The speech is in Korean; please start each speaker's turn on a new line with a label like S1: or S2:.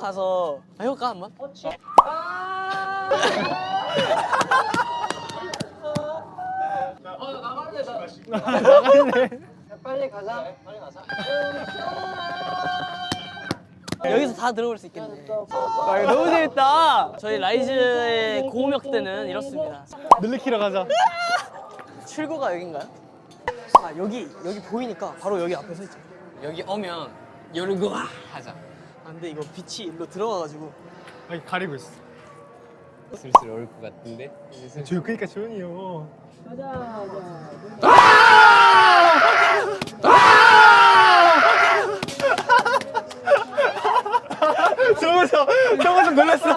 S1: 가서 해볼까 한번?
S2: 나갈래.
S3: 빨리 가자. 빨리 가자.
S1: 여기서 다 들어볼 수 있겠네.
S2: 아, 이거 너무 재밌다.
S1: 저희 라이즈의 고음역대는 이렇습니다.
S2: 늘리키러 가자.
S1: 출구가 여긴가요? 아 여기 보이니까 바로 여기 앞에 서 있죠.
S4: 여기 오면 요르고 하자.
S1: 아 근데 이거 빛이 일로 들어가가지고
S2: 여기 가리고 있어.
S4: 슬슬 올 것 같은데.
S2: 그러니까 조용히 요. 저거 좀 놀랐어.